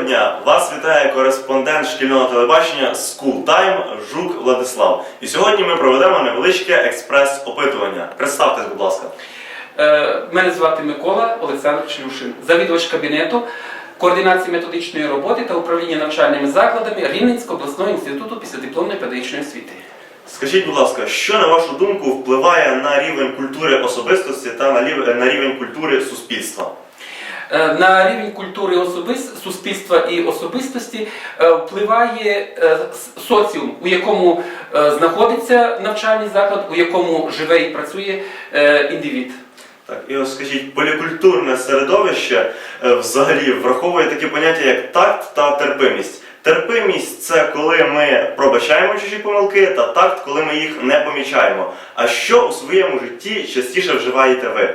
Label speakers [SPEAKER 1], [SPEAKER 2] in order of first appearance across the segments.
[SPEAKER 1] дня! Вас вітає кореспондент шкільного телебачення School Time Жук Владислав. І сьогодні ми проведемо невеличке експрес-опитування. Представтесь, будь ласка.
[SPEAKER 2] Мене звати Микола Олександр Шлюшин, завідувач кабінету координації методичної роботи та управління навчальними закладами Рівненського обласного інституту післядипломної педагогічної освіти.
[SPEAKER 1] Скажіть, будь ласка, що, на вашу думку, впливає на рівень культури особистості та на рівень культури суспільства?
[SPEAKER 2] На рівень культури суспільства і особистості впливає соціум, у якому знаходиться навчальний заклад, у якому живе і працює індивід.
[SPEAKER 1] Так, і ось скажіть, полікультурне середовище взагалі враховує такі поняття, як такт та терпимість. Терпимість – це коли ми пробачаємо чужі помилки, та такт, коли ми їх не помічаємо. А що у своєму житті частіше вживаєте ви?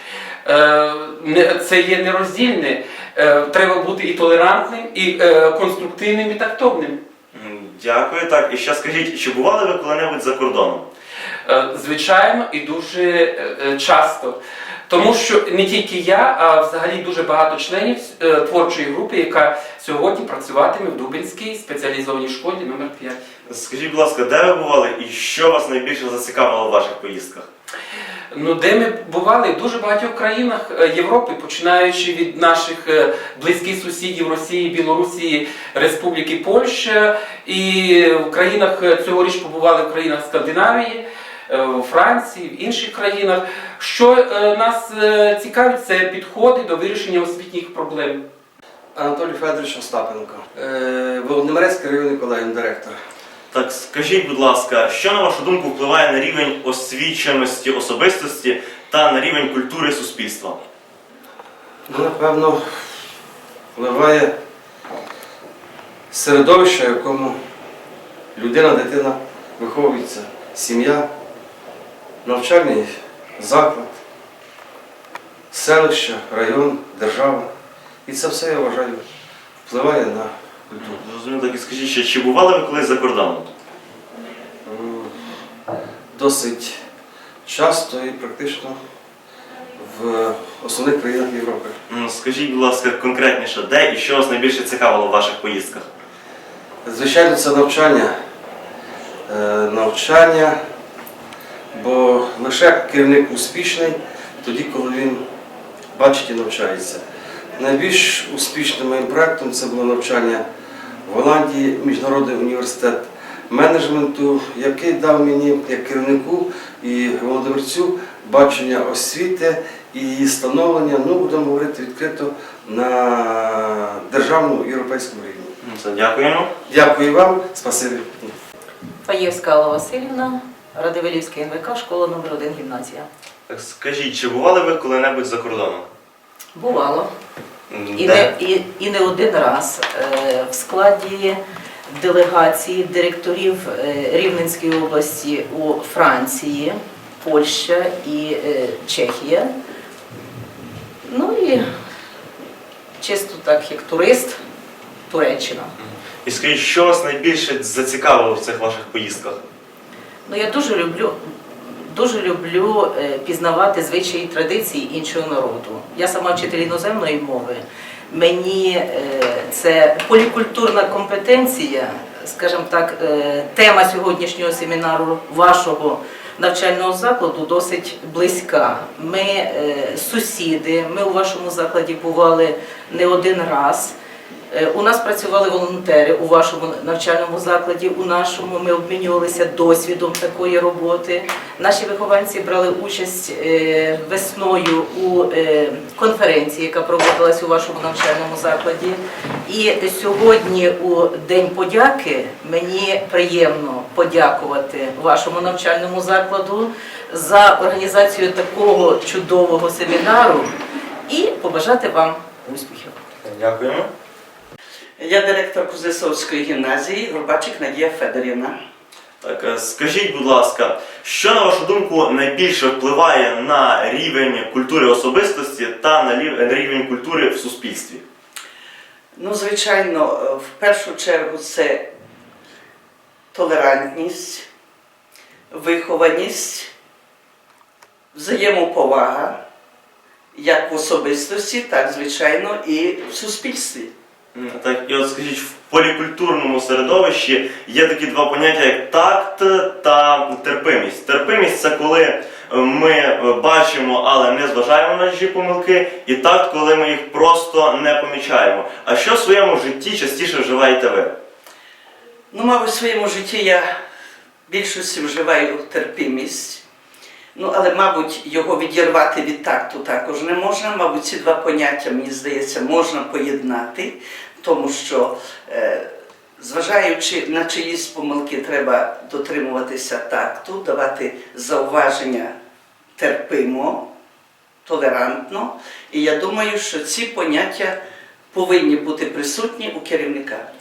[SPEAKER 2] Це є нероздільне. Треба бути і толерантним, і конструктивним, і тактовним.
[SPEAKER 1] Дякую. Так, і ще скажіть, чи бували ви коли-небудь за кордоном?
[SPEAKER 2] Звичайно, і дуже часто. Тому що не тільки я, а взагалі дуже багато членів творчої групи, яка сьогодні працюватиме в Дубинській спеціалізованій школі номер 5.
[SPEAKER 1] Скажіть, будь ласка, де ви бували і що вас найбільше зацікавило в ваших поїздках?
[SPEAKER 2] Де ми бували в дуже багатьох країнах Європи, починаючи від наших близьких сусідів Росії, Білорусі, Республіки Польща, і в країнах цьогоріч побували в країнах Скандинавії, у Франції, в інших країнах. Що нас цікавить, це підходи до вирішення освітніх проблем.
[SPEAKER 3] Анатолій Федорович Остапенко, Володимирецький районний колегіум, директор.
[SPEAKER 1] Так, скажіть, будь ласка, що, на вашу думку, впливає на рівень освіченості особистості та на рівень культури суспільства?
[SPEAKER 3] Напевно, впливає середовище, в якому людина, дитина виховується, сім'я, навчальний заклад, селище, район, держава. І це все, я вважаю, впливає на культуру.
[SPEAKER 1] Зрозуміло, так і скажіть, ще, чи бували ви колись за кордоном?
[SPEAKER 3] Досить часто і практично в основних країнах Європи.
[SPEAKER 1] Скажіть, будь ласка, конкретніше, де і що вас найбільше цікавило в ваших поїздках?
[SPEAKER 3] Звичайно, це навчання. Навчання, бо лише керівник успішний тоді, коли він бачить і навчається. Найбільш успішним моїм проєктом це було навчання в Голландії, Міжнародний університет менеджменту, який дав мені, як керівнику і володимирцю, бачення освіти і її становлення, будемо говорити відкрито, на державному і європейському рівні.
[SPEAKER 1] Дякуємо.
[SPEAKER 3] Дякую вам, спасибі.
[SPEAKER 4] Фаєвська Алла Васильівна, Радивилівська НВК, школа номер 1, гімназія.
[SPEAKER 1] Так, скажіть, чи бували ви коли-небудь за кордоном?
[SPEAKER 4] Бувало.
[SPEAKER 1] Де?
[SPEAKER 4] І не один раз. В складі делегації директорів Рівненської області у Франції, Польща і Чехія. І чисто так, як турист, Туреччина.
[SPEAKER 1] І скажіть, що вас найбільше зацікавило в цих ваших поїздках?
[SPEAKER 4] Я дуже люблю пізнавати звичаї і традиції іншого народу. Я сама вчитель іноземної мови. Мені це полікультурна компетенція, скажімо так, тема сьогоднішнього семінару вашого навчального закладу досить близька. Ми сусіди, ми у вашому закладі бували не один раз. У нас працювали волонтери у вашому навчальному закладі, у нашому ми обмінювалися досвідом такої роботи. Наші вихованці брали участь весною у конференції, яка проводилась у вашому навчальному закладі. І сьогодні, у День подяки, мені приємно подякувати вашому навчальному закладу за організацію такого чудового семінару і побажати вам успіхів.
[SPEAKER 1] Дякуємо.
[SPEAKER 5] Я директор Кузнецовської гімназії, Горбачик Надія Федорівна.
[SPEAKER 1] Так, скажіть, будь ласка, що, на вашу думку, найбільше впливає на рівень культури особистості та на рівень культури в суспільстві?
[SPEAKER 5] Звичайно, в першу чергу це толерантність, вихованість, взаємоповага, як в особистості, так, звичайно, і в суспільстві.
[SPEAKER 1] Так, і от скажіть, в полікультурному середовищі є такі два поняття, як такт та терпимість. Терпимість це коли ми бачимо, але не зважаємо на чужі помилки, і такт, коли ми їх просто не помічаємо. А що в своєму житті частіше вживаєте ви?
[SPEAKER 5] Ну, мабуть, в своєму житті я в більшості вживаю терпимість. Ну, але, мабуть, його відірвати від такту також не можна. Мабуть, ці два поняття, мені здається, можна поєднати, тому що, зважаючи на чиїсь помилки, треба дотримуватися такту, давати зауваження терпимо, толерантно. І я думаю, що ці поняття повинні бути присутні у керівника.